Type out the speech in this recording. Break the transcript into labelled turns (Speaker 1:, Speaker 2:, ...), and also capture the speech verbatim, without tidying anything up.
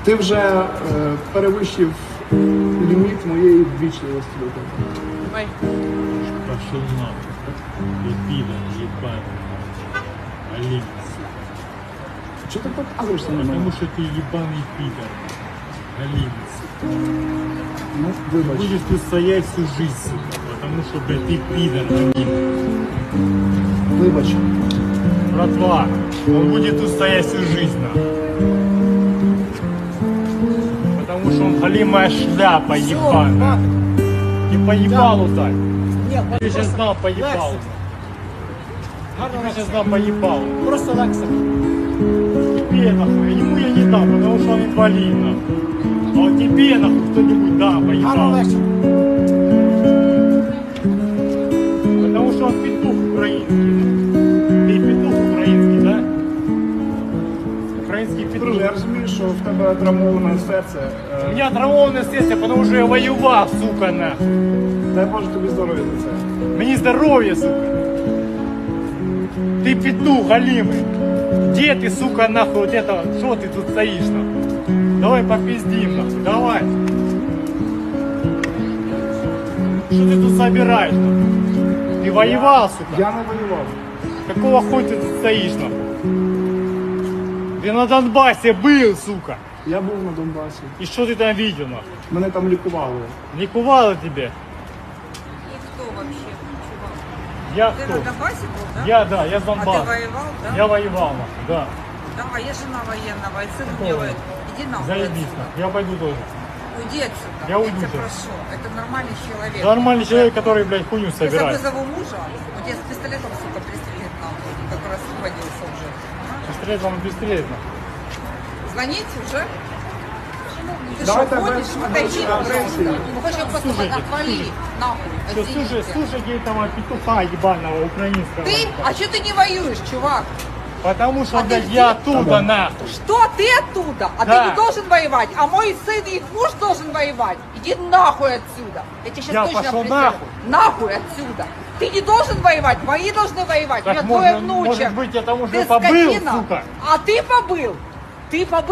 Speaker 1: Ти вже е, перевищив ліміт моєї ввічливості до тебе.
Speaker 2: Ой.
Speaker 3: Пошел нахуй. Ты пидор, ебаный. Олень.
Speaker 1: Чого ти показуєшся на
Speaker 3: Потому
Speaker 1: мене?
Speaker 3: что ты ебаный пидор. Олень.
Speaker 1: Ну, вибач.
Speaker 3: Будешь тут стоять всю жизнь, сука. Потому что, блядь, ты пидор, Олень.
Speaker 1: Вибач.
Speaker 3: Братва, он будет тут стоять всю жизнь, нахуй. Потому что он голимая шляпа, ебаная. И поебалу так.
Speaker 2: Нет,
Speaker 3: Ты сейчас знал поебалу. Ты сейчас знал поебалу.
Speaker 2: просто Лекса.
Speaker 3: Тебе нахуй, ему я не дам, потому что он инвалид, нахуй. А вот тебе нахуй кто-нибудь да,
Speaker 2: Гарно
Speaker 3: поебал.
Speaker 2: Лекса.
Speaker 3: Потому что он петух украинский. Ты петух украинский, да? Украинский
Speaker 1: Друже, я
Speaker 3: петух.
Speaker 1: розумію, що в тебе травмоване серце.
Speaker 3: У
Speaker 1: Е,
Speaker 3: меня травмованное сердце, потому что я воевал, сука, нахуй.
Speaker 1: Дай Боже тобі здоров'я за це.
Speaker 3: Мне здоровье, сука. Ты петух голимый. Где ты, сука, нахуй, вот это, что ты тут стоишь, нахуй? Давай попиздим, нахуй, давай. Что ты тут собираешь, нахуй? Ты воевал, сука?
Speaker 1: Я не воював.
Speaker 3: Какого хуя ты тут стоишь, нахуй? Ты на Донбассе был, сука.
Speaker 1: Я був на Донбасі.
Speaker 3: И что ты там видел, нахуй?
Speaker 1: Мене там лікували.
Speaker 3: Ликовало тебе?
Speaker 4: И кто вообще, чувак?
Speaker 3: Я
Speaker 4: Ты
Speaker 3: кто?
Speaker 4: на Донбассе был, да?
Speaker 3: Я, да, я с
Speaker 4: А ты
Speaker 3: Донбасса.
Speaker 4: воевал, да?
Speaker 3: Я воевал, нахуй, да.
Speaker 4: Да, а я жена военного, и сын
Speaker 3: Какого?
Speaker 4: делает. Иди нахуй
Speaker 3: Заебись,
Speaker 4: отсюда.
Speaker 3: нахуй. Я пойду тоже.
Speaker 4: Уйди отсюда.
Speaker 3: Я уйду
Speaker 4: тебя
Speaker 3: сейчас.
Speaker 4: прошу. Это нормальный человек.
Speaker 3: Нормальный человек, который, блядь, хуйню
Speaker 4: Если я
Speaker 3: собирает.
Speaker 4: вызову мужа, он тебя с пистолетом, сука, пристрелит нахуй. Как раз освободился уже.
Speaker 3: Стрелять вам бестрелять, нахуй.
Speaker 4: Звонить уже? Ты
Speaker 1: Давай
Speaker 4: что,
Speaker 1: тогда
Speaker 4: ходишь?
Speaker 1: на
Speaker 4: Отойди,
Speaker 1: конференции.
Speaker 4: пожалуйста. Ну, хочешь, просто
Speaker 3: Слушайте,
Speaker 4: отвали.
Speaker 3: слушайте.
Speaker 4: Нахуй.
Speaker 3: Что,
Speaker 4: Извините.
Speaker 3: слушай, слушайте этого петуха ебаного украинского.
Speaker 4: Ты? А что ты не воюешь, чувак?
Speaker 3: Потому что,
Speaker 4: А
Speaker 3: блядь,
Speaker 4: ты
Speaker 3: я
Speaker 4: где?
Speaker 3: оттуда, нахуй.
Speaker 4: Что ты оттуда? А
Speaker 3: Да.
Speaker 4: ты не должен воевать, а мой сын и их муж должен воевать. Иди нахуй отсюда. Я тебе сейчас
Speaker 3: Я
Speaker 4: точно
Speaker 3: пошел
Speaker 4: пристрелю.
Speaker 3: нахуй.
Speaker 4: Нахуй отсюда. Ты не должен воевать, мои должны воевать.
Speaker 3: Так
Speaker 4: У меня двое
Speaker 3: может,
Speaker 4: внучек.
Speaker 3: может быть, я там уже
Speaker 4: Ты
Speaker 3: побыл,
Speaker 4: скотина.
Speaker 3: сука.
Speaker 4: А ты побыл. Ты побыл.